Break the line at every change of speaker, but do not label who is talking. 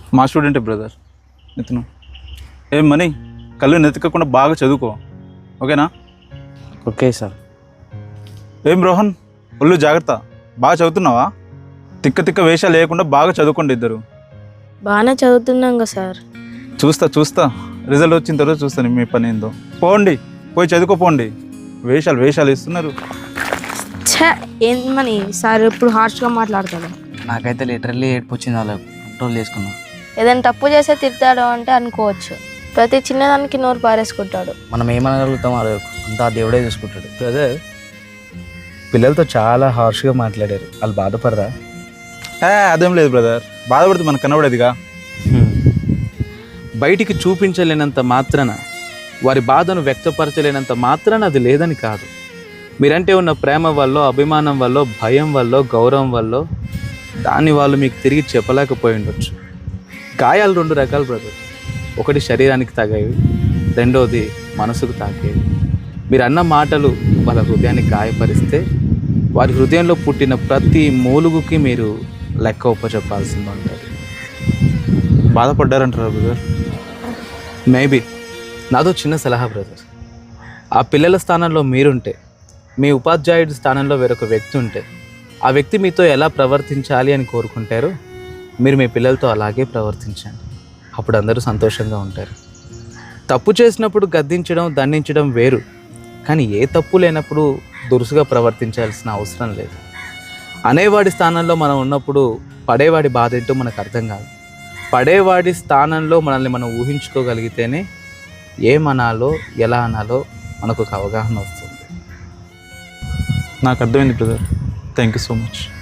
మా స్టూడెంటే బ్రదర్ ఇతను. ఏం మనీ కళ్ళు నెతకకుండా బాగా చదువుకో, ఓకేనా?
Okay sir.
ఏం రోహన్, ఒళ్ళు జాగ్రత్త, బాగా చదువుతున్నావా? తిక్క తిక్క వేషాలు లేకుండా బాగా చదువుకోండి ఇద్దరు.
బాగానే చదువుతున్నాం కదా సార్.
చూస్తా రిజల్ట్ వచ్చిన తర్వాత చూస్తాను మీ పని ఏందో. పోండి, పోయి చదువుకోపోండి. వేషాలు ఇస్తున్నారు.
ఛే, ఏంటని సార్ ఎప్పుడు హార్ష్గా మాట్లాడతాడు.
నాకైతే లిటరల్లీ ఏడుపు వచ్చింది, వాళ్ళు కంట్రోల్ చేసుకున్నాం.
ఏదైనా తప్పు చేస్తే తిడతాడు అంటే అనుకోవచ్చు, ప్రతి చిన్నదానికి నోరు పారేసుకుంటాడు.
మనం ఏమనగలుగుతాం, అంతా దేవుడే చూసుకుంటాడు.
బ్రదర్, పిల్లలతో చాలా హార్ష్గా మాట్లాడారు, వాళ్ళు బాధపడరా?
అదేం లేదు బ్రదర్, బాధపడితే మనకు కనబడేదిగా.
బయటికి చూపించలేనంత మాత్రాన, వారి బాధను వ్యక్తపరచలేనంత మాత్రాన అది లేదని కాదు. మీరంటే ఉన్న ప్రేమ వల్ల, అభిమానం వల్ల, భయం వల్ల, గౌరవం వల్ల దాన్ని వాళ్ళు మీకు తిరిగి చెప్పలేకపోయి ఉండొచ్చు. గాయాలు రెండు రకాలు బ్రదర్. ఒకటి శరీరానికి తాగేవి, రెండోది మనసుకు తాకేవి. మీరు అన్న మాటలు వాళ్ళ హృదయాన్ని గాయపరిస్తే వారి హృదయంలో పుట్టిన ప్రతి మూలుగుకి మీరు లెక్క ఒప్పచెప్పాల్సింది ఉంటుంది.
బాధపడ్డారంటారా బ్రదర్?
మేబీ. నాదో చిన్న సలహా బ్రదర్, ఆ పిల్లల స్థానంలో మీరుంటే, మీ ఉపాధ్యాయుడి స్థానంలో వేరొక వ్యక్తి ఉంటే, ఆ వ్యక్తి మీతో ఎలా ప్రవర్తించాలి అని కోరుకుంటారో మీరు మీ పిల్లలతో అలాగే ప్రవర్తించండి. అప్పుడు అందరూ సంతోషంగా ఉంటారు. తప్పు చేసినప్పుడు గద్దించడం, దండించడం వేరు, కానీ ఏ తప్పు లేనప్పుడు దురుసుగా ప్రవర్తించాల్సిన అవసరం లేదు. అనేవాడి స్థానంలో మనం ఉన్నప్పుడు పడేవాడి బాధ ఏంటో మనకు అర్థం కాదు. పడేవాడి స్థానంలో మనల్ని మనం ఊహించుకోగలిగితేనే ఏమనాలో, ఎలా అనాలో మనకు ఒక అవగాహన వస్తుంది.
నాకు అర్థమైంది brother, thank you so much.